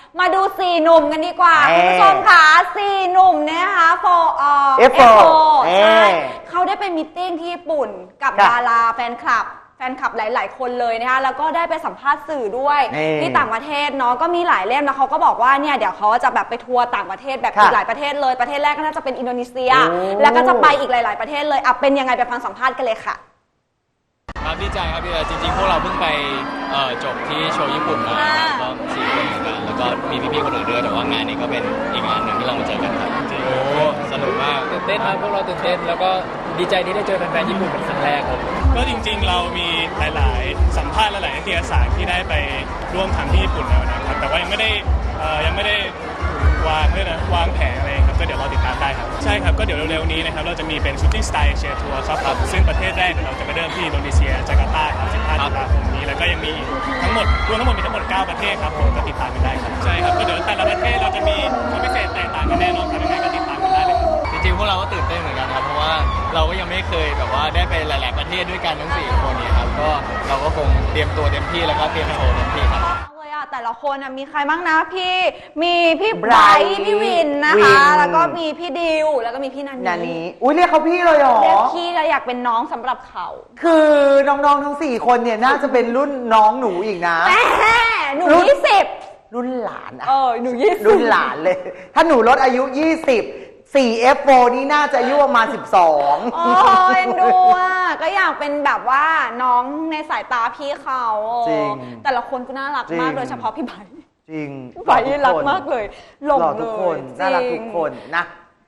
มาดู4หนุ่มกันดีกว่าคุณผู้ชมค่ะ4หนุ่มเนี่ยนะคะF4 ใช่เขาได้ไปมีตติ้งที่ญี่ปุ่นกับดาราแฟนคลับหลายๆคนเลยนะคะแล้วก็ได้ไปสัมภาษณ์สื่อด้วยที่ต่างประเทศเนาะก็มีหลายเล่มแล้วเขาก็บอกว่าเนี่ยเดี๋ยวเขาจะแบบไปทัวร์ต่างประเทศแบบอีกหลายประเทศเลยประเทศแรกก็น่าจะเป็นอินโดนีเซียแล้วก็จะไปอีกหลายๆประเทศเลยเป็นยังไงไปฟังสัมภาษณ์กันเลยค่ะครับดีใจครับดีใจจริงๆพวกเราเพิ่งไปจบที่โชว์ญี่ปุ่นมาก็4 คนเหมือนกันแล้วก็มีพี่ๆคนอื่นด้วยแต่ว่างานนี้ก็เป็นอีกงานหนึ่งที่เรามาเจอกันครับจริงโอ้สนุกมากตื่นเต้นครับพวกเราตื่นเต้นแล้วก็ดีใจที่ได้เจอแฟนๆญี่ปุ่นเป็นครั้งแรกครับก็จริงๆเรามีหลายๆสัมภาษณ์หลายๆนิตยสารที่ได้ไปร่วมทำที่ญี่ปุ่นแล้วนะครับแต่ว่ายังไม่ได้วางแผนอะไรครับก็เดี๋ยวเราติดตามได้ครับใช่ครับก็เดี๋ยวเร็วๆนี้นะครับเราจะมีเป็น Shooting Star Asia Tour ครับซึ่งประเทศแรกเราจะไปเริ่มที่อินโดนีเซียจาการ์ตาครับ15 ตุลาคมนี้แล้วก็ยังมีทั้งหมดมีทั้งหมด9ประเทศครับผมก็ติดตามกันได้ครับใช่ครับก็เดี๋ยวแต่ละประเทศเราจะมีความพิเศษแตกต่างกันแน่นอนครับยังไงก็ติดตามกันได้เลยจริงๆพวกเราก็ตื่นเต้นเหมือนกันครับเพราะว่าเราก็ยังไม่เคยแบบว่าได้ไปหลายๆประเทศด้วยกันทั้ง4 คนนี้ครับก็เราก็คงเตรียมตัวเต็มที่แล้วก็เตรียมโชว์เต็มที่ครับแต่ละคนมีใครบ้างนะมีพี่ไบรท์พี่วินนะคะแล้วก็มีพี่ดิวแล้วก็มีพี่นันนี่อุ้ยเรียกเขาพี่เลยเหรอเรียกพี่แล้วอยากเป็นน้องสำหรับเขาคือน้องๆทั้ง4 คนเนี่ยน่าจะเป็นรุ่นน้องหนูอีกนะหนู20 รุ่นหลานหนู20 รุ่นหลานเลยถ้าหนูลดอายุ4F4 นี่น่าจะอายุประมาณ12 โอ้ยดูก็อยากเป็นแบบว่าน้องในสายตาพี่เขาแต่ละคนก็น่ารักมากโดยเฉพาะพี่ไบร์ทจริงไบร์ทรักมากเลยหลงเลยทุกคนน่ารักทุกคนนะ